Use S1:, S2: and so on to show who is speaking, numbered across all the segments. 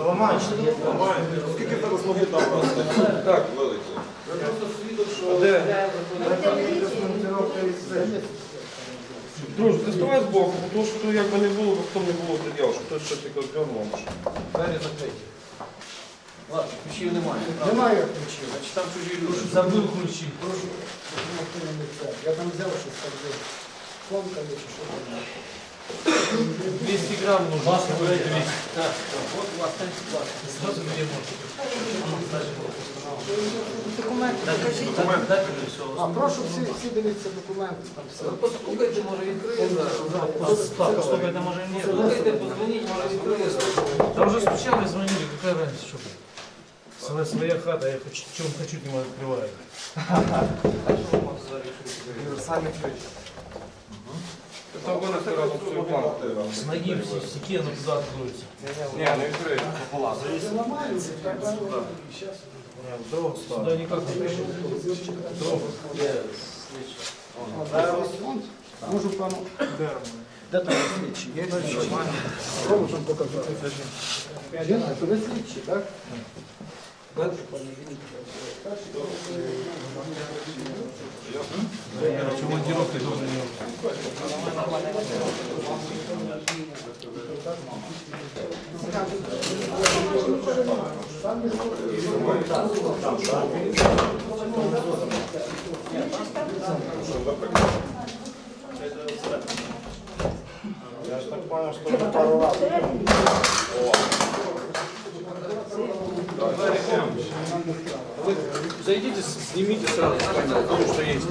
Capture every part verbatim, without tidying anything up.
S1: ламаєш?
S2: Скільки тебе змоги там просто? Так, велике. Я просто свідок, що... Де?
S3: Друже, ти ставай збоку, тому що як би не було, хто не було пред'яв, що хтось щось таке дьорнув.
S2: Двері закриті. Ладно, ключів немає.
S1: Немає ключів.
S2: Значить там чужі люди.
S1: Забив ключі. Прошу, я там взяв щось так взяв. Фонка чи що там.
S2: двісті грам нужно. Вас не буде двісті. Так, от у вас там склад. Зразу мені можете.
S4: Документи покажіть.
S2: Документи.
S1: А, прошу всі, всі дивіться документи. Там все.
S2: Послухайте, може відкриє зараз.
S5: Послухайте, може ні.
S2: Слухайте, позвоніть, може відкриє.
S5: Да уже стучали, звонили, какая разница, что? Своя, своя хата, я хочу, чем хочу, не открываю.
S1: Універсальний ключ.
S3: Це винести разом свою планку.
S5: С ноги в стену туда откроется.
S3: Ні, не відкриє.
S1: Ламається, так, так.
S5: Дрова сюда никак не пришел. Дрова.
S1: Зараз фонд. Можу пану. Де там слідчі? Є слідчі? Кому там показати? Він, а то ви слідчі, так?
S5: Командировки тоже не
S1: Я ж так понял, що вже пару разів.
S2: Зайдите, снимите сразу, потому что есть.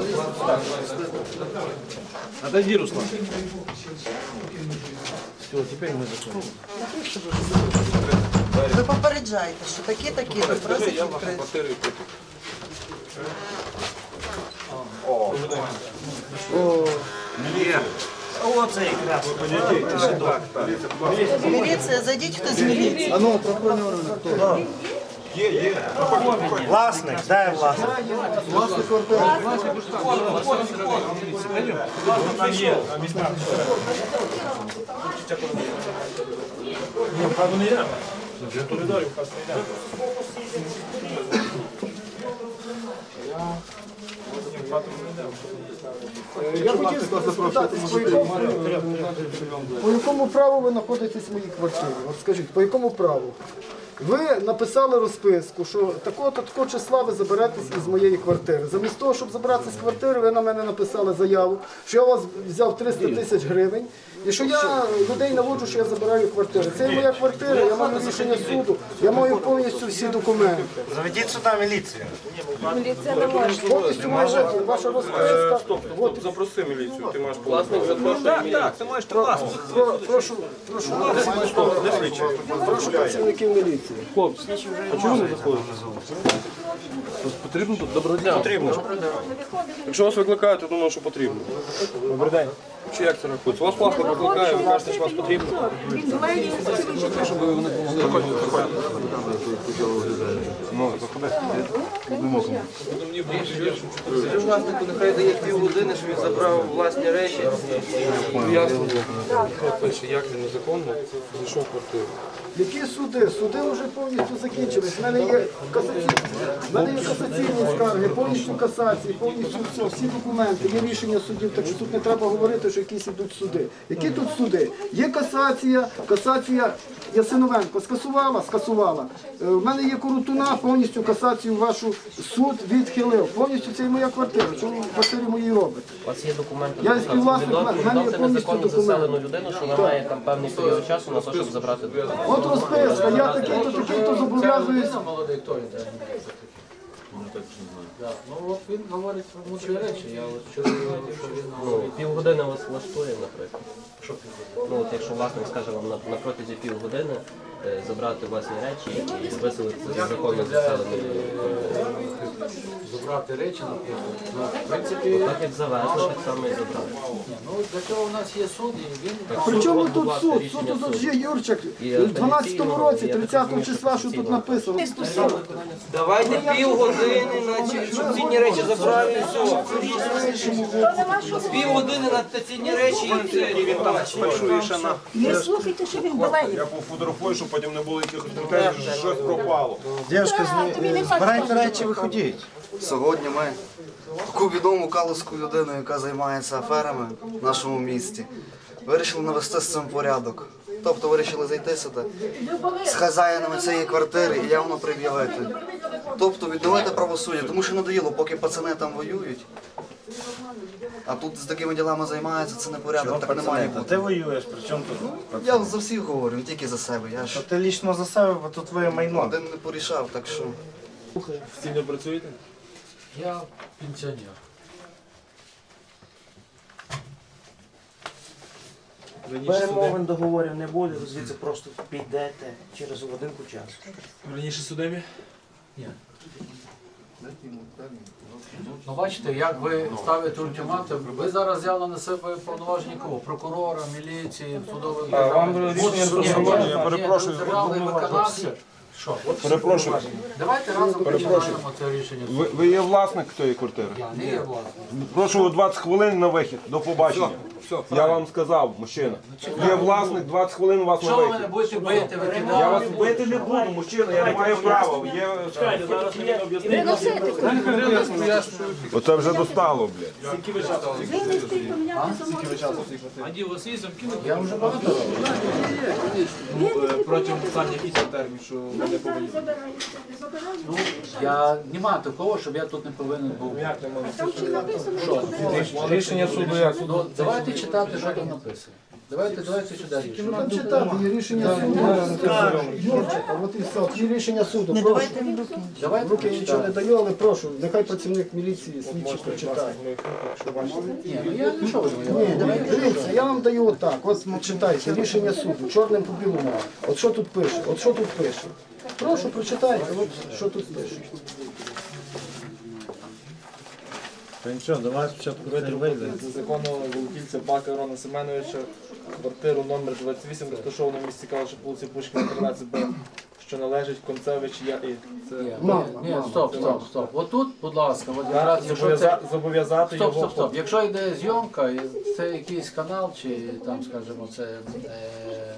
S2: Отойди, Руслан. Все, теперь мы закроем.
S4: Ви попереджаєте, що такі-такі, ви просите
S2: Я вашу
S4: відкрити.
S2: квартиру и купил.
S4: Міліція, зайдіть хтось з міліції.
S1: А ну, правоохоронні органи, хто?
S2: Є, є.
S1: Власник, де власник? Власник квартири.
S5: Там є. Ні, в хату не йдемо. В коридорі в хату не йдемо. Ні, в хату не йдемо.
S1: Я хотів спитатись, по якому, по якому праву ви знаходитесь в моїй квартирі? От скажіть, по якому праву? Ви написали розписку, що такого-то такого числа ви заберетесь із моєї квартири. Замість того, щоб забратися з квартири, ви на мене написали заяву, що я у вас взяв триста тисяч гривень і що я людей наводжу, що я забираю квартиру. Це є моя квартира, я маю рішення суду, я маю повністю всі документи.
S6: Заведіть сюди міліцію.
S4: Міліція не може.
S1: Повністю моя ваша розписка.
S3: Стоп, стоп, запроси міліцію, ти маєш
S2: Власник запрошує мені. Так, ти можеш власник.
S1: Про- Прошу, прошу, прошу працівників міліції.
S3: А чому не заходите? Потрібно тут? Доброго дня. Потрібно. Якщо вас викликають, то думаю, що потрібно. Добрий день. Чи як це рахується? Вас власник викликає, ви кажете, що вас потрібно. Щоб ви не помогли. Ну, заходи.
S2: Скажи власнику, нехай дає півгодини, щоб він забрав власні речі.
S3: Ясно. Нехай пише, як він незаконно зайшов в квартиру.
S1: Які суди? Суди вже повністю закінчились. У мене є касаційні, в мене є касаційні скарги, повністю касації, повністю все, всі документи, є рішення судів, так що тут не треба говорити, що якісь ідуть суди. Які тут суди? Є касація, касація Ясиновенко скасувала, скасувала. Е, В мене є Коротуна, повністю касацію вашу суд відхилив. Повністю це і моя квартира. Чому в квартирі моїй робите?
S7: У вас є документи
S1: Я
S7: на
S1: співвласник,
S7: повідомте
S1: в мене є повністю
S7: незаконно
S1: документи.
S7: заселену людину, що вона має там певний період часу на те, щоб забрати документи.
S1: От розписка, я такий-то, такий-то зобов'язуюсь.
S2: Молодий, хто він? Ну от він говорить про мудрі речі. Я от чую, що він
S7: Ну, півгодини вас влаштує, наприклад. Ну, от якщо власник скаже вам на, на протязі півгодини е, забрати власні речі і виселитися з законно заселеної
S2: забрати речі, наприклад. Ну, в принципі,
S7: так як завезли, так само і забрати.
S2: ну для цього у нас є суд, і він
S1: Причому
S7: Будь
S1: тут
S7: ласка,
S1: суд?
S7: рішення
S1: Суд тут
S7: суду.
S1: є Юрчик.
S7: І
S1: В дванадцятому році,
S7: апеляційного,
S1: тридцятого
S7: я так
S1: числа, що
S7: розумію,
S1: тут написано.
S2: давайте півгодини, наче щоб цінні речі забрали і все.
S1: іншому боку.
S2: Півгодини на стаційні речі і все.
S3: І він там фальшує ще на...
S6: Не слухайте, що він балає.
S3: Я пофотографую, щоб потім не було якихось претензій, що щось пропало.
S6: Дівчатка, збирайте речі,
S1: виходіть.
S8: Сьогодні ми таку відому калузьку людину, яка займається аферами в нашому місті, вирішили навести з цим порядок. Тобто вирішили зайти сюди з хазяїнами цієї квартири і явно пред'явити. Тобто відновити правосуддя, тому що надоїло, поки пацани там воюють. А тут з такими ділами займаються, це не порядок, так не має бути.
S6: Ти воюєш, при чому тут?
S8: Я за всіх говорю, не тільки за себе. Я ж
S6: Ти лічно за себе, бо тут твоє майно.
S8: один не порішав, так що...
S3: Стільно працюєте?
S2: Я пенсіонер.
S9: Перемовин договорів не буде, ви звідси просто підете через годинку часу.
S3: Раніше судимі?
S2: Ну бачите, як ви ставите ультиматум, ви зараз взяли на себе повноваження кого? Прокурора, міліції, судових
S3: А, вам
S2: держав.
S3: рішення
S2: От, ні,
S3: судового,
S2: ні,
S3: я
S2: ні,
S3: перепрошую,
S2: державний виконавці. Що?
S3: Перепрошую.
S2: Давайте разом починаємо це рішення.
S3: Ви, ви є власник тієї квартири?
S2: Я не є власник.
S3: Прошу двадцять хвилин на вихід. До побачення. Я вам сказав, мужчина. Є власник, двадцять хвилин у вас на
S2: Що ви мене
S3: вихід.
S2: будете бити, викидати?
S3: Я вас бити не буду, мужчина, я не маю права. Є...
S6: Виносити.
S3: Оце вже достало, блядь.
S6: Винести і поміняти замовлення.
S2: Я вже багато років.
S3: Протягом останніх якийсь термін, що ви не повинні.
S2: Ну, я немає такого, щоб я тут не повинен був.
S6: Там чи написано, що
S3: Рішення суду як?
S2: Ну, давайте читати, що там написано. Давайте, давайте сюди
S1: Ну
S2: рішення.
S1: там читати, є рішення суду. Юрчика, от і все, є рішення суду.
S4: Не
S1: Прошу.
S4: давайте в руки.
S2: Давайте
S1: Руки нічого не
S2: читати.
S1: даю, але прошу, нехай працівник міліції, слідчий прочитає.
S2: Ні, ну я не що ви.
S1: Ні, дивіться, я вам даю отак, от читайте, рішення суду, чорним по білому. От що тут пише, от що тут пише. Прошу, прочитайте, от що тут пише.
S9: Нічого, давай спочатку вийде.
S10: Законного володільця Бака Ірона Семеновича, квартиру номер двадцять вісім, розташована в місті Калуша, вулиці Пушкіна, тринадцять Б, що належить Концевич Я.І. Це
S2: Ні,
S1: Мама,
S2: ні,
S1: мама.
S2: стоп, стоп, стоп. Отут, будь ласка, от якраз, якщо це...
S10: зобов'яза- зобов'язати
S2: Стоп,
S10: його.
S2: стоп, стоп. Якщо йде зйомка, і це якийсь канал, чи там, скажімо, це... е,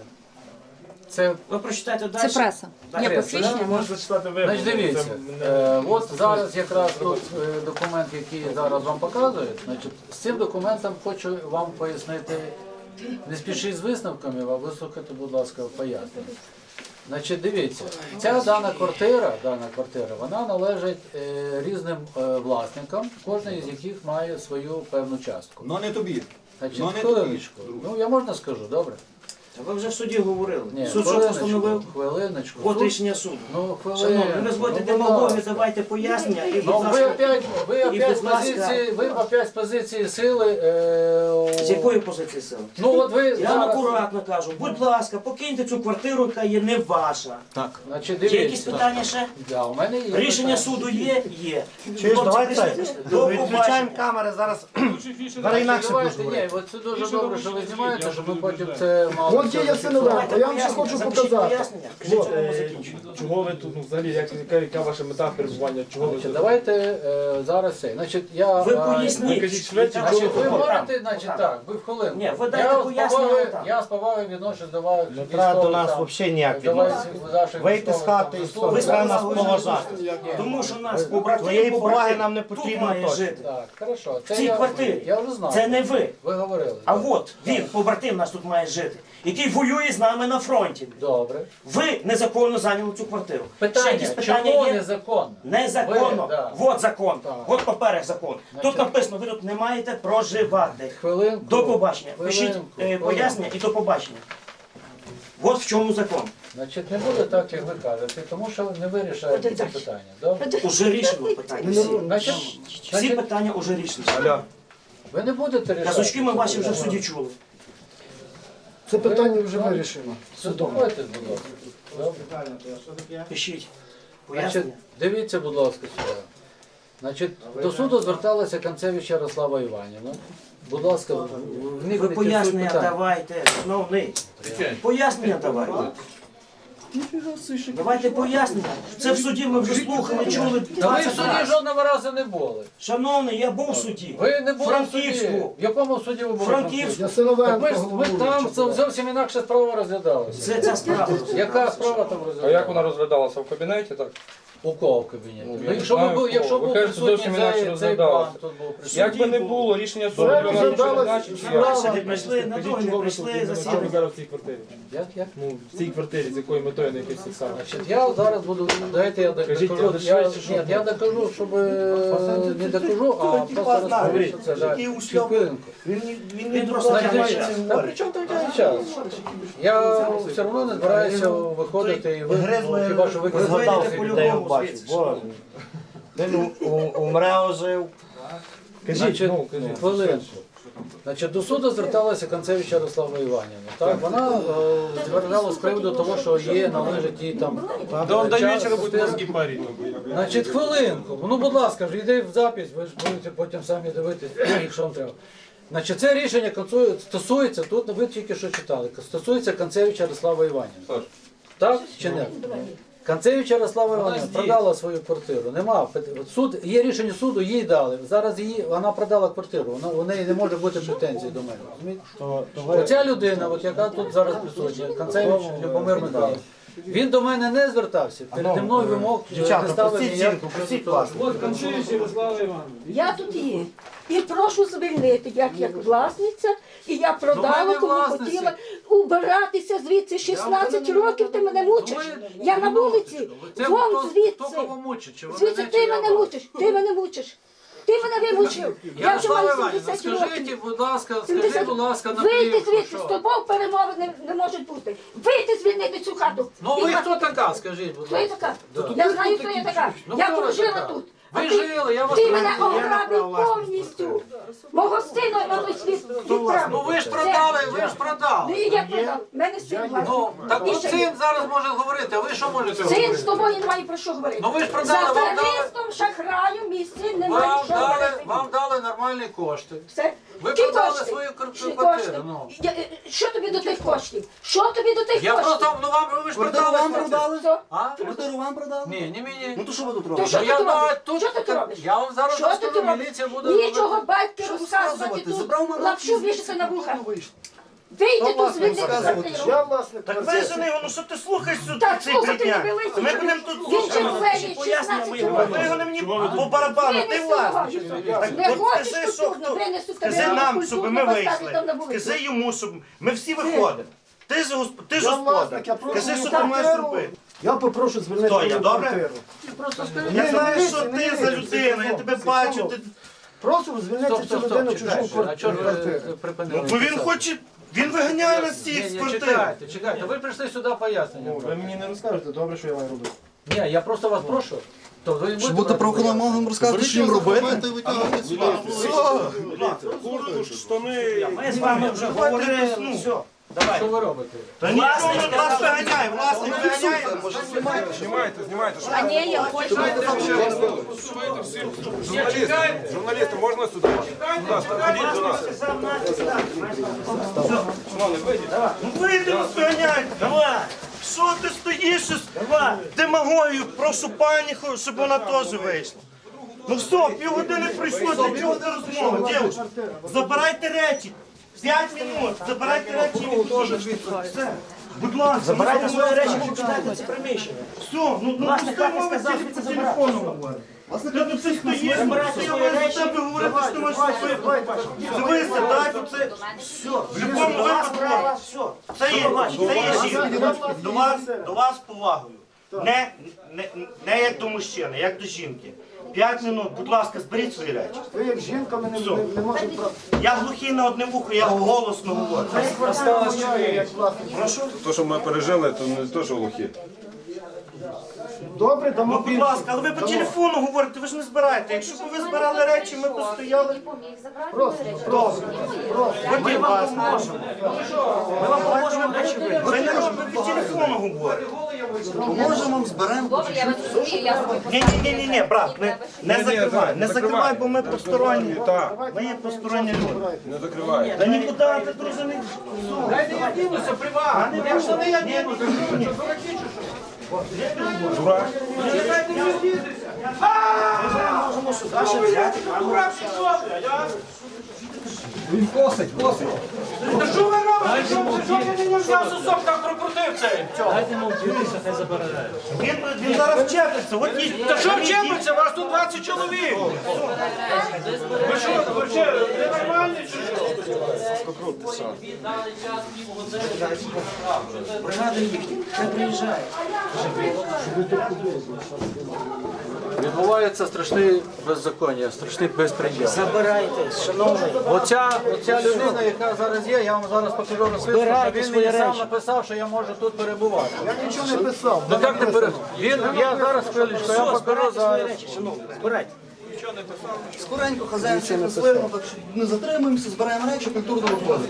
S2: Це,
S9: Ви прочитайте далі.
S6: Це преса. Є посвідчення.
S10: Можна читати ви.
S2: значить, дивіться, е, от зараз якраз тут е, документ, який зараз вам показують, значить, з цим документом хочу вам пояснити, не спішіть з висновками, а вислухайте, будь ласка, пояснення. Значить, дивіться, ця дана квартира, дана квартира, вона належить е, різним е, власникам, кожен із яких має свою певну частку.
S3: Ну не тобі.
S2: Значить,
S3: Ну, не
S2: хвилиночку. Ну, я можна скажу, добре?
S9: Ви вже в суді говорили.
S2: Ні,
S9: Суд що
S2: хвилиночку,
S9: постановив?
S2: хвилиночку.
S9: От
S2: Суд-
S9: рішення суду.
S2: Ну,
S9: Шановні, ви
S2: хвилиночку.
S9: зводите
S2: Ну, будь
S9: демагогію,
S2: ласка.
S9: давайте пояснення і, будь
S2: Ну, ви
S9: ласка,
S2: опять, ви
S9: І,
S2: опять з
S9: будь ласка.
S2: позиції, ви опять з позиції сили. Е,
S9: з якої позиції сили?
S2: Ну, от ви
S9: Я вам
S2: зараз,
S9: акуратно кажу, будь ласка, покиньте цю квартиру, яка є не ваша.
S2: значить,
S9: Є якісь
S2: дивіться.
S9: питання ще?
S2: Да, у мене є
S9: Рішення
S2: питання.
S9: суду є? Є.
S6: Чуєш,
S9: Хлопці,
S6: давай
S9: пішли,
S6: це.
S9: пішли. До
S6: Відключаємо
S9: побачення.
S6: камери зараз. Зараз
S2: Значить,
S6: інакше
S2: давайте,
S6: будеш
S2: ні, от це дуже добре, що ви знімаєте, щоб ми потім це мали.
S1: От є Ясиновенко, я вам ще хочу
S9: Запишіть
S1: показати.
S9: пояснення. Кажіть,
S1: Вот.
S9: коли ми закінчимо.
S10: Чого ви тут, ну взагалі, як, яка, яка ваша мета перебування? Чого ви
S2: Значить,
S10: тут?
S2: давайте е, зараз це. Значить, я...
S9: Ви
S2: е,
S9: поясніть.
S10: кажіть швидше,
S9: Яка
S2: Значить, ви
S9: чого?
S2: можете, значить, так, ви в хвилину.
S9: Ні, ви дайте
S2: я, з
S9: пояснення
S2: повагою,
S9: там.
S2: я з повагою відношусь до вас.
S6: Не треба до нас взагалі ніяк відносин. Вийти з хати і все,
S9: Ви
S6: не треба нас
S9: сказали,
S6: поважати.
S9: Тому що нас побратим,
S6: Твоєї поваги
S9: побратим
S6: нам не
S9: тут
S6: потрібно
S9: має
S6: точно.
S9: жити.
S2: Так, хорошо. Це
S9: В цій
S2: я,
S9: квартирі.
S2: Я вже знаю.
S9: Це не ви.
S2: Ви говорили.
S9: А
S2: так.
S9: от він, побратим наш тут має жити, який воює з нами на фронті.
S2: Добре.
S9: Ви незаконно зайняли цю квартиру. Ще
S2: Питання,
S9: якісь питання
S2: чому
S9: є?
S2: незаконно?
S9: Незаконно.
S2: Ви, да.
S9: От закон.
S2: Так.
S9: От паперах закон. Тут написано, ви тут не маєте проживати.
S2: Хвилинку.
S9: До побачення. Пишіть
S2: Хвилинку,
S9: е,
S2: хвилинку.
S9: пояснення і до побачення. От в чому закон.
S2: Значить, не буде так, як ви кажете, тому що не вирішаєте це питання. Добре?
S9: Уже рішено питання. Всі,
S2: Значить,
S9: всі
S2: значить,
S9: питання уже рішені.
S2: ви не будете рішати.
S9: Казочки ми ваші вже в суді чули.
S1: Це питання вже вирішено судом.
S2: Слухайте, будь ласка. Добре.
S9: Пишіть.
S2: Значить,
S9: Пояснення.
S2: дивіться, будь ласка, сюди. Значить, до суду зверталася Концевич Ярослава Іванівна. Будь ласка, в- вникніть
S9: Ви
S2: в суть
S9: пояснення
S2: питання.
S9: давайте, шановний. Пояснення давайте. Давайте пояснимо. Це в суді ми вже слухали, чули.
S2: Та ви в
S9: двадцять
S2: суді
S9: разів.
S2: жодного разу не були.
S9: Шановний, я був в суді.
S2: Ви не були в суді.
S9: Франківську.
S2: В якому суді ви були?
S9: Франківську.
S2: Так
S1: Ясиновенко
S2: ми, ж- ми
S1: головуючий.
S2: там це зовсім інакша справа розглядалася.
S9: Це ця справа.
S2: Яка справа там
S3: А
S2: розглядалася?
S3: як вона розглядалася в кабінеті, так?
S2: У кого в кабінеті?
S3: Ну,
S2: Ну,
S3: я
S2: якщо
S3: знаю,
S2: ви був,
S3: у
S2: якщо
S3: кого.
S2: був
S3: Ви кажете,
S2: присутній
S3: зовсім інакше
S2: цей, цей
S3: розглядалося.
S2: пан, тут був присутній.
S3: Як би не було, рішення суду
S1: Це
S3: для нас нічого не
S1: розглядалось
S3: значить. чи
S1: справа.
S3: як?
S9: Не прийшли, на друге не прийшли, засідання.
S10: зараз в цій квартирі.
S2: Як, як?
S10: Ну, в цій квартирі, з якою метою не якийсь саме.
S2: Значить, я зараз буду, дайте я
S10: Кажіть,
S2: докажу,
S10: але
S2: я,
S10: швидше, щоб
S2: ні, я докажу, щоб е, не докажу, а просто розповім, що це, да, хвилинку.
S9: Він, він не просто
S2: Значить,
S9: тягне час.
S2: та при чому там тягне час? Я все одно не збираюся виходити і ви, ну, хіба що ви
S6: Згадався людей, я бачу. Боже. Він у- у- умре, ожив.
S2: Значить, хвилинку. Значить, до суду зверталася Концевич Ярослава Іванівна. Так, вона е, зверталася з приводу того, що є, належить їй там. До вечора буде мозги парити. Значить, хвилинку. Ну, будь ласка, ж йди в запись, ви ж будете потім самі дивитись, якщо вам треба. Значить, це рішення концу- стосується, тут ви тільки що читали, стосується Концевича Ярослава Іванівна. Так чи не? Концевич Ярослава Іванівна продала свою квартиру. Нема. Суд, є рішення суду, їй дали. Зараз її, вона продала квартиру. Вона, у неї не може бути претензій до мене. Розумієте? Оця людина, от яка тут зараз присутня, Концевич Любомир Михайлович, він до мене не звертався. Переді мною вимог не
S6: Дівчата,
S2: ставив
S6: простіть
S2: ніяк.
S6: жінку, простіть вас.
S11: Я тут є. І прошу звільнити, як як власниця, і я
S2: Ну, ви
S11: продала,
S2: не
S11: кому
S2: власниці.
S11: хотіла убиратися звідси. шістнадцять років ти мене мучиш. Я на вулиці,
S2: Це
S11: вон
S2: хто- Хто
S11: звідси.
S2: кого мучить? Чи ви
S11: Звідси
S2: мене,
S11: ти
S2: чи я
S11: мене
S2: вас?
S11: мучиш, ти мене мучиш. Ти мене вимучив. Я вже
S2: Ярослава
S11: маю
S2: Іванівна,
S11: сімдесят років.
S2: скажіть, будь ласка,
S11: сімдесят.
S2: скажіть, будь ласка, на
S11: Вийти
S2: плівку,
S11: звідси, з
S2: що?
S11: тобою перемови не, не можуть бути. Вийти звільнити цю хату.
S2: Ну
S11: І
S2: ви
S11: ха-
S2: хто така, скажіть, будь
S11: Хто я
S2: ласка?
S11: така?
S2: Да.
S11: Я знаю, хто я така.
S2: Ну,
S11: Я
S2: хто ви
S11: прожила
S2: така?
S11: тут.
S2: Ви
S11: А ти-
S2: жили, я вас
S11: Ти мене
S2: розумію.
S11: ограбив повністю. Мого сина на той світ відправив.
S2: Ну ви ж
S11: Все.
S2: продали, ви ж продали.
S11: Ну і я продав. В мене син
S2: Ну,
S11: власний.
S2: так
S11: І
S2: от
S11: ще
S2: син
S11: є.
S2: зараз може говорити, а ви що можете
S11: Син з
S2: говорити?
S11: тобою немає про що говорити.
S2: Ну ви ж продали,
S11: За
S2: вам дали,
S11: аферистом, шахраю, мій син не має
S2: вам
S11: що
S2: дали,
S11: говорити.
S2: вам дали нормальні кошти.
S11: Все.
S2: Ви
S11: Які
S2: продали
S11: кошти?
S2: свою квар-
S11: Які
S2: квартиру,
S11: кошти?
S2: ну.
S11: Я- е, Що тобі до тих коштів? Що тобі до тих
S2: Я
S11: коштів?
S2: просто, ну вам, ви ж
S8: Квартиру
S2: продали.
S8: вам продали?
S11: Все.
S2: А?
S8: Квартиру вам продали?
S2: Ні, не мені.
S8: Ну то що ви тут
S11: То
S8: робите?
S11: що
S2: Ну,
S11: ти
S2: я
S11: тут
S2: на-
S11: робиш?
S2: тут-
S11: Що ти тут робиш?
S2: Я вам зараз
S11: Що ти
S2: розкажу,
S11: тут робиш?
S2: міліція буде
S11: Нічого
S2: робити.
S11: батьки
S8: Що
S11: розказувати
S8: розказувати?
S11: тут.
S8: Забрав мене
S11: Лапшу вішати на вуха.
S8: вийшло.
S11: Вийди тут
S8: власне,
S11: звідти
S8: розказувати,
S11: квартиру.
S1: Я власник
S9: Так
S1: квартири.
S9: вижени його, ну що ти слухаєш сюди
S11: Так,
S9: цей
S11: слухати не
S9: брехня?
S11: билися.
S9: Ми будемо тут
S11: Він
S9: слухати.
S11: червоний,
S9: Пояснення
S11: шістнадцять
S9: мої.
S11: років.
S9: Ви його не мені по барабану, ти
S11: Винеси
S9: власник.
S11: його.
S9: Так,
S11: Не
S9: от
S11: хочеш
S9: скажи, що
S11: культурно,
S9: хто.
S11: винесу тебе
S9: Скажи
S11: на
S9: нам,
S11: культурно,
S9: щоб ми
S11: поставлю там на
S9: вийшли.
S11: вулицю.
S9: Скажи йому, щоб ми всі виходимо. Ти ж госп- ти ж
S1: Я
S9: господар.
S1: власник, я прошу
S9: Скажи, що
S1: мою
S9: ти маєш
S1: квартиру.
S9: робити.
S1: Я попрошу звільнити
S9: Хто, я,
S1: мою
S9: добре?
S1: квартиру.
S9: Я
S1: Ні,
S9: знаю,
S1: не
S9: що
S1: лізьте, не
S9: ти
S1: лізьте,
S9: за людина, я
S1: стоп,
S9: тебе
S1: стоп,
S9: бачу.
S1: стоп.
S9: Ти...
S1: Прошу звільнити
S2: Стоп,
S1: цю
S2: стоп,
S1: людину
S2: стоп,
S1: чужу
S2: чекайте. А чого ж
S1: квартиру.
S2: ви припинили?
S9: Ну, бо він
S2: писати?
S9: хоче, він виганяє нас всіх
S2: Ні,
S9: з
S2: ні,
S9: квартири.
S2: чекайте, чекайте. Ви прийшли сюди пояснення.
S1: Ви мені не розкажете, добре, що я маю робити.
S2: Ні, я просто вас прошу. То ви
S8: Щоб
S2: будете
S8: бути
S2: брати
S8: правоохоронним
S2: пояснення?
S8: органом розказати, що їм робити.
S9: Ми з вами вже говорили, ну, все. Давай.
S2: Що ви робите?
S9: Та власник нас виганяє, власник виганяє.
S3: Знімайте, знімайте.
S11: А ні, я хочу.
S3: Журналісти, можна сюди? Будь ласка, ходіть до нас.
S9: Ну вийди, нас виганяють. Давай. Що ти стоїш? Давай. Демагогію, прошу пані, щоб вона теж вийшла. Ну все, півгодини пройшло, для чого ти розмова, дівчата? Забирайте речі. П'ять минут, забирайте речі і відходите. Все. Будь ласка,
S6: Забирайте
S9: ну,
S6: свої
S9: будь
S6: речі,
S9: ласка.
S6: покидайте це приміщення.
S9: Все, ну, ну
S6: Власник
S9: пусти
S6: хати
S9: мови
S6: сказав,
S9: тільки
S6: що
S9: по
S6: це
S9: телефону говорить. Ти тут все стоїш,
S6: Забирайте
S9: я
S6: свої
S9: маю
S6: речі.
S9: з тебе говорити, що ти можеш зробити. Дивися, дай тут це.
S6: Все,
S9: В будь-якому випадку.
S6: все.
S9: Це є, це є жінка. До вас, до вас з повагою. Не, не, не як до мужчини, як до жінки. П'ять минут, будь ласка, зберіть свої речі.
S1: Ви як жінка мене не, не можете про...
S9: Я глухий на одне вухо, я голосно говорю.
S1: Я як власник.
S9: Прошу.
S3: То, що ми пережили, то не то, що глухі.
S1: Добре, дамо
S9: Ну, будь
S1: більше.
S9: ласка, але ви по
S1: Дамо.
S9: телефону говорите, ви ж не збираєте. Якщо б ви збирали речі, ми б стояли.
S1: Просто,
S9: Добре. Ми вам поможемо. Ми вам поможемо речі ви. Ви не робите по телефону говорите.
S8: Поможемо, зберемо.
S12: Добре, я вас розумію, я собі
S9: Ні, ні, ні, ні, ні, брат, не, не закривай, не закривай, бо ми посторонні. Ми є посторонні люди.
S3: Не закривай.
S9: Та нікуди ти, друже, не...
S5: Дайте я дінуся, приват. Я що не я дінуся?
S9: Дурак.
S5: Дайте мені дінуся.
S9: Можемо сюди ще взяти.
S3: Він косить, косить.
S5: Та що ви робите? Що ви не можна сосок там прокрутив цей?
S9: Він, він зараз вчепиться. От їй-
S5: Та що вчепиться? Вас тут двадцять чоловік. Ви що, ви що, ви нормальні чи що?
S2: Відбувається страшне беззаконня, страшний безпреділ.
S9: Забирайте, шановний.
S2: Оця, оця людина, яка зараз є, я вам зараз покажу розписку, що
S9: Збирайте
S2: він
S9: свої
S2: мені сам
S9: речі.
S2: написав, що я можу тут перебувати.
S1: Я нічого не писав.
S2: Ну як не перебувати? Він, я зараз хвилечку, я покажу зараз.
S9: Збирайте.
S8: Скоренько хазяїн всіх назвемо, так що не затримуємося, збираємо речі, культурно виходимо.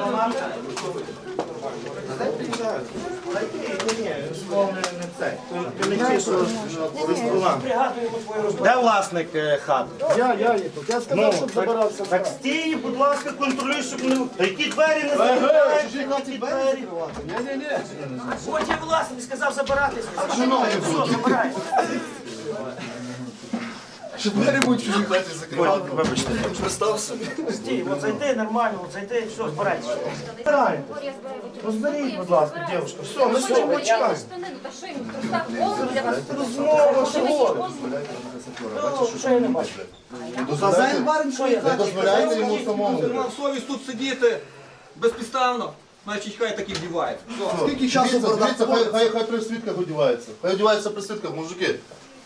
S9: Де власник е, хати?
S1: Я, я є тут. Я сказав, щоб забирався.
S9: Так стій, будь ласка, контролюй, щоб не... Та які двері не закривають, які двері?
S5: Потім власник сказав забиратися.
S8: Що двері будуть чужі хаті закривати?
S9: Вибачте.
S8: Представ собі.
S5: Стій, от зайди нормально, от зайди, все, збирайся.
S9: Збирайте. Розберіть, будь ласка, дівчинка. Все, ми стоїмо, чекаємо.
S12: Та що йому просто голову для вас?
S9: Розмова, що говорить?
S8: Хазяїн барин, що є хаті.
S3: Дозволяйте йому самому. Мав совість тут сидіти безпідставно, значить хай так і вдівається.
S8: Скільки часу
S13: Дивіться, хай, хай, хай при свідках одівається. Хай одівається при свідках, мужики.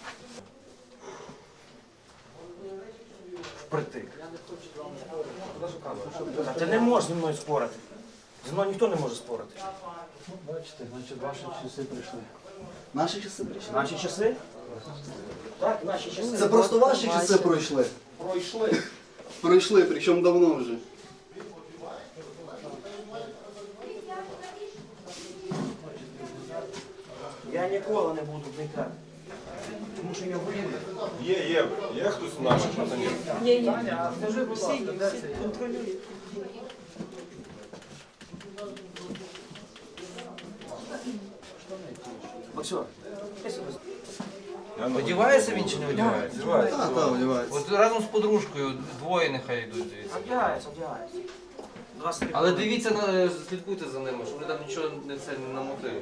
S5: Ти не можеш зі мною спорити. Зі мною ніхто не може спорити.
S2: Бачите, значить ваші часи прийшли.
S8: Наші часи прийшли.
S5: Наші часи? Так, наші часи.
S8: Це просто ваші часи пройшли.
S5: Пройшли.
S8: Пройшли, причому давно вже.
S5: Я ніколи не буду вникати. Тому що я воюю.
S3: Є, є, є хтось з наших пацанів.
S11: Є, є.
S5: Скажи, всі, всі контролюють.
S9: Максим,
S10: Одівається він чи не одівається?
S8: Так, так, одівається.
S10: От разом з подружкою двоє нехай йдуть звідси.
S5: Одягається, одягається. Два стріли.
S10: Але дивіться, на- слідкуйте за ними, щоб вони там нічого не це не намотили.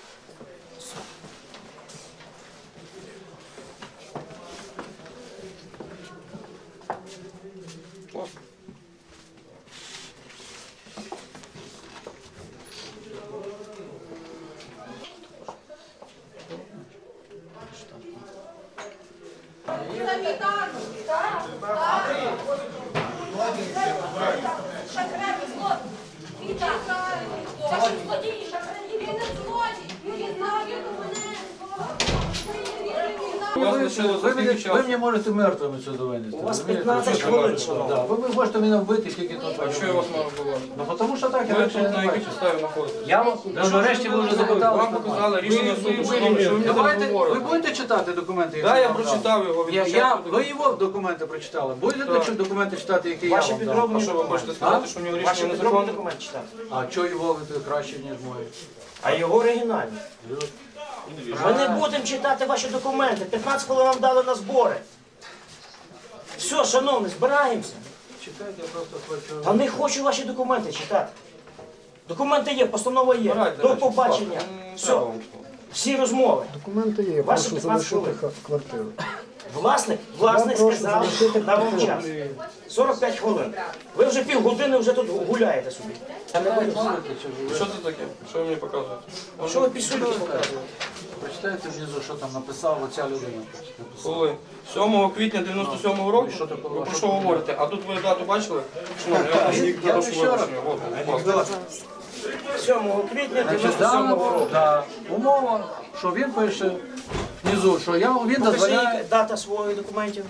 S2: Ви, ви, мені, ви мені можете мертвими сюди винести.
S5: У вас
S2: розумієте?
S5: п'ятнадцять хвилин, шановні.
S2: Да, ви, ви можете мене вбити тільки тут.
S3: А що я вас мав було?
S2: Ну тому що так, я
S3: Ви
S2: більше
S3: тут
S2: не
S3: на якій
S2: бачу.
S3: підставі знаходитесь?
S2: Я вам, ну, нарешті ви вже запитали.
S3: Вам показали рішення суду, шановні, що ви мені
S2: Давайте,
S3: зараз
S2: ви
S3: говорите.
S2: будете читати документи? які
S3: Так, я
S2: вам дав?
S3: прочитав його від
S2: Я, я,
S3: початку до
S2: ви його документи прочитали? Будете
S3: Так.
S2: документи читати, які
S5: Ваші
S2: я вам дав?
S5: підроблені
S3: А що ви
S5: документи.
S3: хочете сказати, що в нього
S5: Ваші
S3: рішення
S5: підроблені
S3: незаконне?
S5: документи читати.
S2: А чого його ви краще, ніж мої?
S5: А його оригінальні. Ми не будемо читати ваші документи. п'ятнадцять хвилин вам дали на збори. Все, шановні, збираємося.
S2: Чекайте, я просто хочу...
S5: Та не хочу ваші документи читати. Документи є, постанова є.
S3: Збирайте
S5: До
S3: речі,
S5: побачення.
S3: будь ласка.
S5: Все,
S3: М,
S5: всі розмови.
S1: Документи є,
S5: Ваші
S1: прошу
S5: п'ятнадцять
S1: залишити
S5: хвилин.
S1: ха- квартиру.
S5: Власник, власник
S1: Я прошу
S5: сказав,
S1: залишити
S5: дав вам час.
S1: квартиру.
S5: сорок п'ять хвилин. Ви вже півгодини вже тут гуляєте собі. Я не боюсь.
S3: Що це таке? Що ви мені показуєте?
S5: Що ви пішли показуєте?
S2: Прочитайте внизу, що там написав оця людина.
S3: Коли? сьомого квітня дев'яносто сьомого року?
S2: що таке?
S3: Ви про що говорите? А тут ви дату бачили? Шановні, я вас
S2: Я
S3: прошу
S2: ще раз.
S3: вибачення. От, будь ласка.
S5: сьомого квітня
S2: Значить,
S5: дев'яносто сьомого
S2: дана
S5: року.
S2: да, умова, що він пише внизу, що я, він дозволяє.
S5: Покажи дата своїх документів.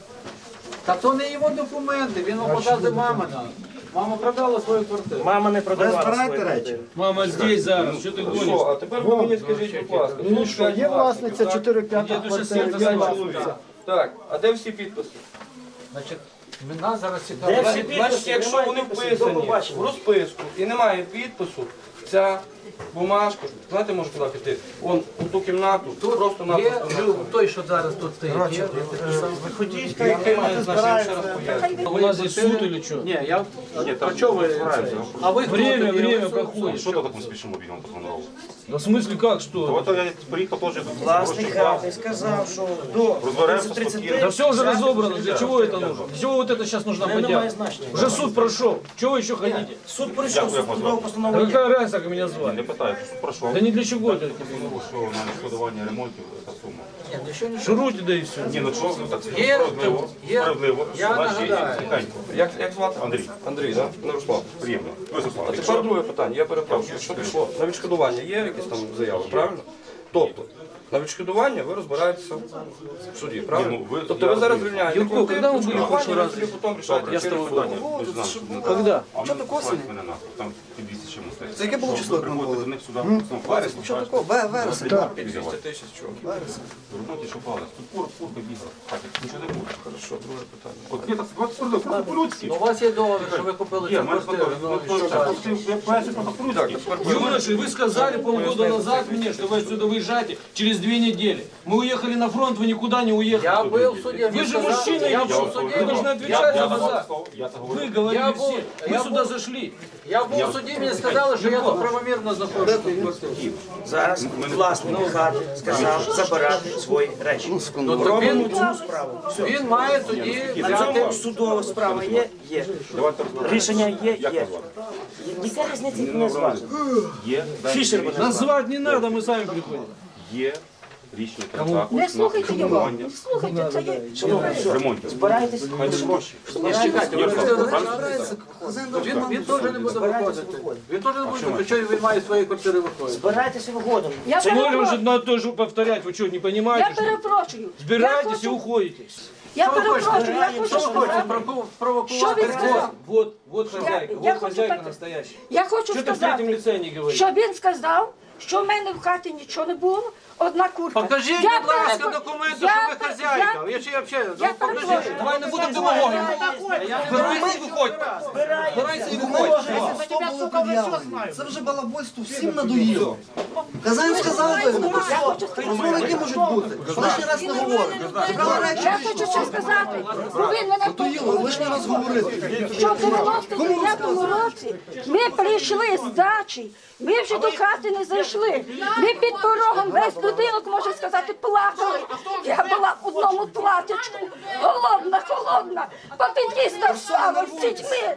S2: Та то не його документи, він вам показує мамина. Мама продала свою квартиру.
S5: Мама не продавала свої речі.
S10: Мама здесь зараз, що ти
S3: Ну що, а тепер ви мені скажіть, будь ласка.
S1: Ну що, є власниця чотири п'ятих квартири, є власниця.
S3: Так, а де всі підписи?
S2: Значить, мене зараз
S5: Де
S2: цікавить.
S5: всі підписи?
S3: Значить, якщо
S5: Немає
S3: вони
S5: підписів,
S3: вписані
S5: до побачення.
S3: в розписку і немає підпису, ця бумажка, знаєте, може куди піти? Вон у ту кімнату, просто
S2: Є
S3: напросто.
S2: той, що зараз тут стоїть. Є.
S5: Виходіть,
S3: Я не маю значення, ще раз поясню.
S10: У нас здесь суд или что?
S2: Ні, я... А чого ви? А ви хто
S10: Время,
S2: тоді?
S10: время проходит.
S14: Что так мы спешим мобильному пацану?
S10: Да в смысле как, что?
S14: Вот я приехал тоже.
S5: Власник хати сказав, що до
S14: Розберемося
S5: тридцять
S14: спокійно.
S10: Да все уже разобрано, для чего это нужно? Для чего вот это сейчас нужна
S5: немає
S10: подяка?
S5: значення.
S10: Уже суд прошел, чего вы еще хотите?
S5: Суд прийшов, суд судову постанову
S10: Да
S5: є.
S10: какая разница, как меня
S14: Не
S10: звали?
S14: питаю, що пройшов.
S10: Да не для чего это.
S14: Ну, що на відшкодування ремонтів та сума.
S2: Ні, нічого не
S10: Шуруйте, да и все.
S14: Ні, ну що, ну так
S2: Є,
S14: справедливо,
S2: є.
S14: справедливо.
S2: Я
S14: Наші
S2: нагадаю.
S14: тихенько.
S3: Як, як звати?
S14: Андрій.
S3: Андрій, так? Не Руслан.
S14: Приємно. Ви Руслан.
S3: А тепер друге питання, я перепрошую. Якщо пішло на відшкодування, є якісь там заяви, правильно? Тобто, на відшкодування ви розбираєтеся в суді, правильно?
S14: Ні, ну, ви-
S3: тобто
S14: я
S3: ви зараз
S14: розумію.
S3: звільняєте
S10: Юрко, когда вы были в прошлый раз?
S3: ви потім рішаєте
S10: Я с
S3: через
S10: тобой
S3: суд.
S10: понял.
S14: Ми ж знаємо, що-
S10: Когда?
S14: А
S8: Що
S14: мене
S8: таке осені?
S14: мене нахуй, там під двісті чимось стоїть.
S8: Це яке було число, як нам
S14: Приходите
S8: було?
S14: до них сюди, потім фари,
S8: Що такого? Ве- Вересень.
S3: двісті тисяч чого?
S14: Роботі що палець. Тут кур, курка бігла. Так, нічого не буде.
S3: Хорошо, друге питання.
S14: От я так от просто просто по-людськи.
S2: Ну, у вас є договір, що ви купили
S14: Є,
S2: цю
S14: в мене
S2: квартиру.
S14: фото,
S2: Ну,
S14: ну,
S2: і
S14: то
S2: що
S14: так,
S2: далі?
S14: от я поясню просто по-людськи.
S10: Юноши, вы сказали полгода назад мне, что вы отсюда выезжаете через две недели. Мы уехали на фронт, вы никуда не уехали.
S2: Я був в суді.
S10: Вы
S2: він
S10: же
S2: сказав-
S10: мужчина,
S2: я
S10: или
S2: був
S10: что?
S2: в суді.
S10: Вы должны
S14: Я
S10: отвечать за
S14: я
S10: глаза.
S14: сказав, я це говорю.
S10: Вы говорили
S2: Я был-
S10: все.
S2: я
S10: Мы сюда
S2: был-
S10: зашли.
S2: Я був в суді, мені сказали, що я тут правомірно знаходжуся в квартирі.
S5: Зараз власник хати сказав забирати свої речі.
S2: Ну, то
S5: Робимо
S2: він,
S5: цю справу. Все.
S2: він має тоді
S5: На
S2: взяти...
S5: цьому судова справа є? Є.
S14: Давайте розберемося.
S5: Рішення є?
S14: Як
S5: Є.
S14: вас звати?
S5: Яка різниця не звати?
S14: Є.
S5: Фішер мене звати.
S10: Назвать не надо, мы сами приходим.
S14: Є рішення контракту
S11: Не слухайте
S14: на
S11: його,
S14: формування
S11: не слухайте, це є.
S14: ремонтів.
S5: Збирайтесь.
S14: Хай не гроші.
S2: Ні, чекайте, ви
S14: Ярослав,
S2: ж-
S14: правильно?
S2: Він, він теж не буде виходити. Він теж не буде виходити. Чого він має з своєї квартири виходити?
S5: Збирайтеся виходом.
S11: Я
S10: Тем более уже
S11: перепрошую,
S10: одно и то же повторять, вы что, не
S11: я
S10: понимаете? что ли?
S11: перепрошую. Я
S10: Збирайтесь и
S11: хочу-
S10: уходите.
S11: Я
S2: Що ви хочете?
S11: перепрошую, я хочу
S2: Що ви хочете?
S11: сказати.
S2: Прово-
S11: Що
S2: Провокувати?
S11: він сказав?
S10: Вот, вот хозяйка,
S11: я
S10: вот
S11: хочу
S10: хозяйка
S11: так-
S10: настоящая.
S11: Я хочу
S10: Что ты в третьем
S11: сказати,
S10: лице не говоришь?
S11: що він сказав, що в мене в хаті нічого не було, одна курка.
S2: Покажіть,
S11: Я
S2: будь ласка,
S11: перепро-
S2: документи,
S11: я
S2: що ви
S11: пер-
S2: хазяйка.
S11: я-
S2: Я ще взагалі,
S11: Я
S2: ну, покажіть.
S11: перепрошую.
S10: Давай не будем демагогию. Збирайся і виходь. Збирайся і виходь.
S8: Хто були пред'явлені? Це вже балабольство всім надоїло. Казань сказав би, розмови які можуть бути. Лишній раз не говорить. Цікава речі.
S11: Я хочу ще сказати, бо він мене
S8: Надоїло, лишній раз говорити.
S11: що в дев'яносто дев'ятому році ми прийшли з дачі, ми вже до хати не зайшли. Ми під порогом весь будинок, можна сказати, плакали. Я була в одному платячку, голодна, холодна, попід'їзда встала з дітьми.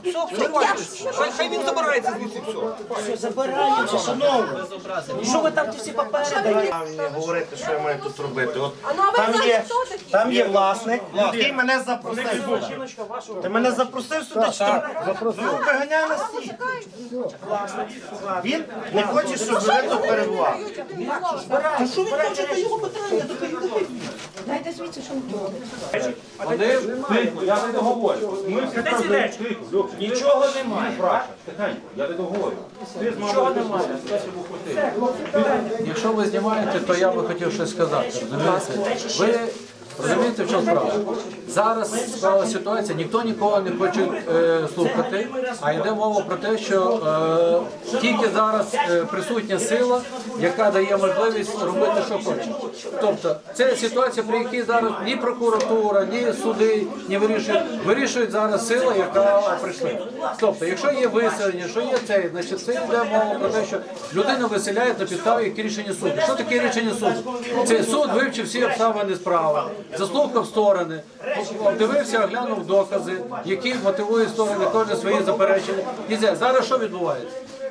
S3: Хай він забирається звідси все.
S5: Все, забираємося, шановні. Що ви там ті всі папери даєте? Не говорити, що я маю тут робити. От там є, там є власник, який мене запросив сюди. Ти мене запросив сюди чи що? Ну, виганяй на стій. Власник. Він не хоче, щоб ви тут перебували.
S11: Та що ви хочете його питання? Дайте звідси, що не
S2: Вони
S14: Я не договорю. Ми всі
S5: Де ці речі? Нічого немає.
S14: Тихенько, я не договорю.
S5: Нічого немає.
S2: Якщо ви знімаєте, то я би хотів щось сказати. Розумієте? Ви розумієте, в чому справа? Зараз склала ситуація, ніхто нікого не хоче е, слухати, а йде мова про те, що е, тільки зараз е, присутня сила, яка дає можливість робити, що хоче. Тобто, це ситуація, при якій зараз ні прокуратура, ні суди не вирішують. Вирішують зараз сила, яка прийшла. Тобто, якщо є виселення, що є цей, значить це йде мова про те, що людину виселяють на підставі як рішення суду. Що таке рішення суду? Це суд вивчив всі обставини справи, заслухав сторони, дивився, оглянув докази, які мотивують сторони, кожен свої заперечення. І це зараз що відбувається?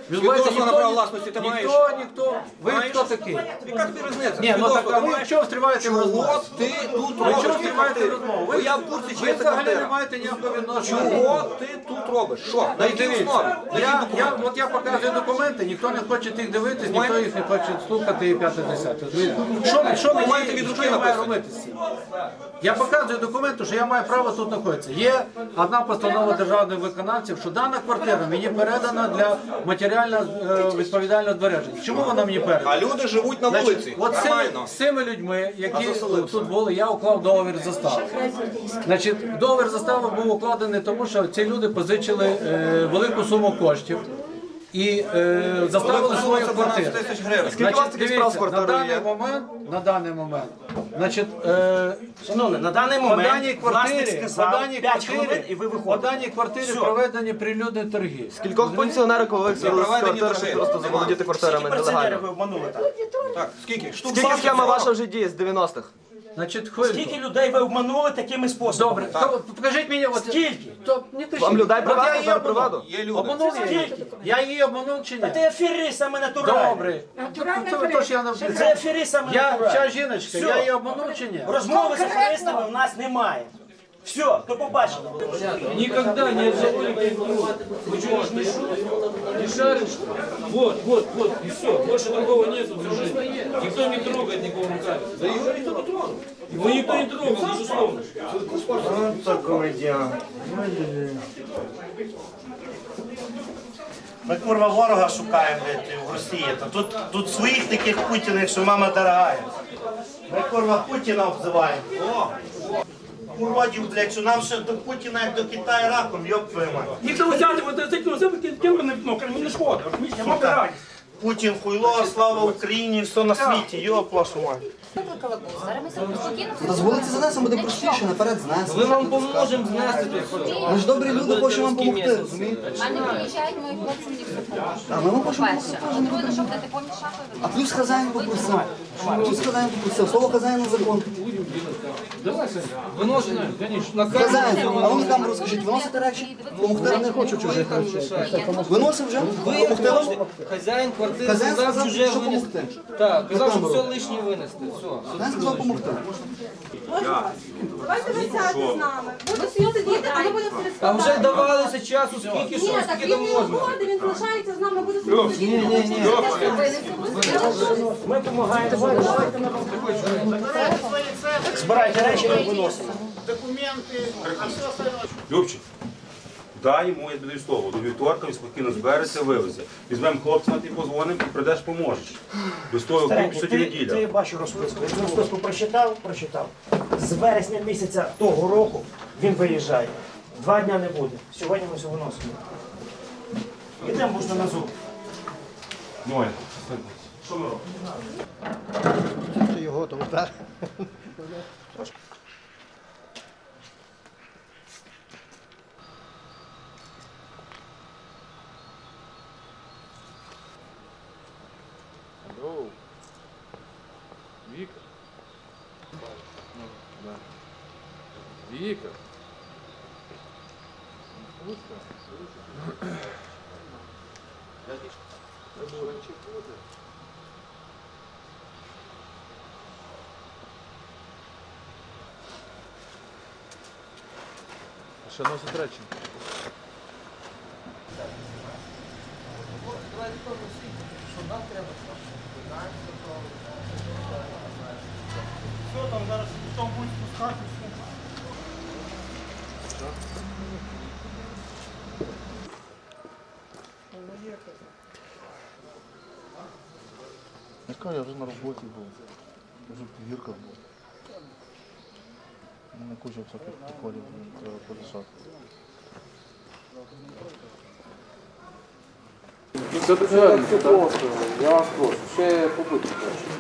S2: Відбувається
S3: Свідоцтво на право власності ти маєш?
S2: ніхто, ніхто. Ви хто такий?
S3: Яка тобі різниця?
S2: Ні, ну так, а ви
S3: маєш?
S2: чого встріваєте в розмову?
S3: Чого ти тут
S2: Ви
S3: робиш?
S2: чого встріваєте в розмову?
S3: Бо я в курсі, чи
S2: Ви
S3: є ця
S2: взагалі не
S3: квартира.
S2: маєте ніякого відношення.
S3: Чого ти тут робиш? Що? На якій
S2: Дивіться,
S3: основі? На
S2: я,
S3: якій
S2: я, от я показую документи, ніхто не хоче тих дивитись, ніхто їх не хоче слухати і п'яте десяте. Що, що, мені,
S3: Документи від
S2: що
S3: руки
S2: я маю
S3: написані.
S2: робити з цим? Я показую документи, що я маю право тут знаходитися. Є одна постанова державних виконавців, що дана квартира мені передана для матеріального е, відповідального збереження. Чому вона мені передана?
S3: А люди живуть на
S2: Значить,
S3: вулиці.
S2: от з цими,
S3: Нормально.
S2: з цими людьми, які тут були, я уклав договір застави. Значить, договір застави був укладений, тому що ці люди позичили е, велику суму коштів і е, заставили свою квартиру.
S3: тисяч гривень.
S2: Скільки у вас таких справ з квартирою на даний момент, на даний момент, значить, е,
S5: Шановний, на даний
S2: по
S5: момент
S2: даній
S5: власник
S2: квартирі, по
S5: сказав
S2: даній
S5: п'ять хвилин
S2: квартирі,
S5: і ви
S2: по
S5: виходите.
S2: даній квартирі
S5: Все.
S2: проведені прилюдні торги.
S6: Кількох пенсіонерів, коли
S3: Проведені торги.
S6: просто заволодіти
S5: Скільки
S6: квартирами
S5: пенсіонерів
S6: нелегально.
S5: ви обманули так?
S3: Так, скільки? Штук
S6: Скільки схема ваша вже діє з дев'яностих?
S2: Значить, хвильку.
S5: Скільки людей ви обманули такими способами?
S2: Добре, то покажіть мені, от,
S5: Скільки?
S2: то, не кажіть.
S6: Вам людей
S2: От я
S6: приватно,
S2: її
S6: зараз
S2: обманув.
S6: приватно?
S3: Є люди.
S2: Обманув я її?
S5: Скільки?
S2: Я її обманув чи ні?
S5: Та ти аферист саме натуральний.
S2: Добре. Це ви то, що я навчив.
S5: Це аферист саме
S2: Я,
S5: натуральний.
S2: ця жіночка,
S5: Все.
S2: я її обманув чи ні?
S5: Розмови з аферистами в нас немає. Все, до побачення.
S10: Никогда не отзовали Вы что, не шаришь? Не шаришь? Вот, вот, вот, и все. Больше такого нету в жизни. Никто не трогает никого руками. Да его никто не тронул. Его никто не трогал, безусловно.
S5: Вот такой діагноз. Ми курва ворога шукаємо блядь, в Росії. Та тут, тут своїх таких Путіних, що мама дорогая. Ми курва Путіна обзиваємо. О! Уродів, блядь, що нам ще до Путіна, як до Китаю раком, йоп твою мать.
S10: Никто взяли вот это, ну, кем не ну, не шкода.
S5: Сука, Путін хуйло, слава Україні, все на світі, йоп вашу мать.
S12: Викликала бус. Зараз ми себе спокійно
S8: Та з вулиці занесемо, буде простіше, наперед знесемо.
S7: Ми вам поможемо знести тут.
S8: Ми ж добрі люди, хочемо вам допомогти, розумієте?
S12: У мене приїжджають мої хлопці, мені все допомагають.
S8: А ми вам хочемо
S12: Перше.
S8: допомогти.
S12: А друге, ну що будете повні шапи?
S8: А плюс хазяїн попросив. Плюс хазяїн попросив. Слово хазяїна закон.
S10: Выносим, конечно.
S8: Хазяїн, а ви на камеру скажіть, виносите речі? Помогти не хочу чужих речей. Виносив вже? Помогти вам?
S7: Хазяїн квартири
S8: Хазяїн
S7: сказав
S8: сказав,
S7: чуже
S8: що
S7: винести.
S8: помогти.
S7: Так, казав, що
S8: На
S7: все
S8: камеру.
S7: лишнє винести. Все.
S8: Хазяїн сказав помогти.
S12: Давайте ви сядете з нами. Буду всі сидіти, а ми будемо все
S7: А вже давалося часу, скільки що,
S12: так
S7: скільки
S12: він
S7: там
S12: не
S7: можна.
S12: уходить, він залишається з нами, буде сидіти. Ні, ні, ні.
S5: Ми допомагаємо. Збирайте речі, ми виносимо.
S14: Любчик, дай йому, я тобі слово, до вівторка він спокійно збереться, вивезе. Візьмемо хлопця, ти позвонимо, і прийдеш, поможеш. Без того
S5: Старенький,
S14: купить
S5: ти,
S14: неділя.
S5: ти бачу розписку. Якщо розписку прочитав, прочитав. З вересня місяця того року він виїжджає. Два дня не буде. Сьогодні ми все виносимо. Йдемо можна на зуб.
S14: Ну, Оля, що ми робимо?
S1: Його там, так?
S10: Вика. Вика. Ще носить речі.
S5: Що там зараз хто буде спускатися?
S13: Яка я вже на роботі був. Вже повірка була. У мене куча всяких приколів, треба порішати.
S10: Це дуже я вас прошу, ще побудьте.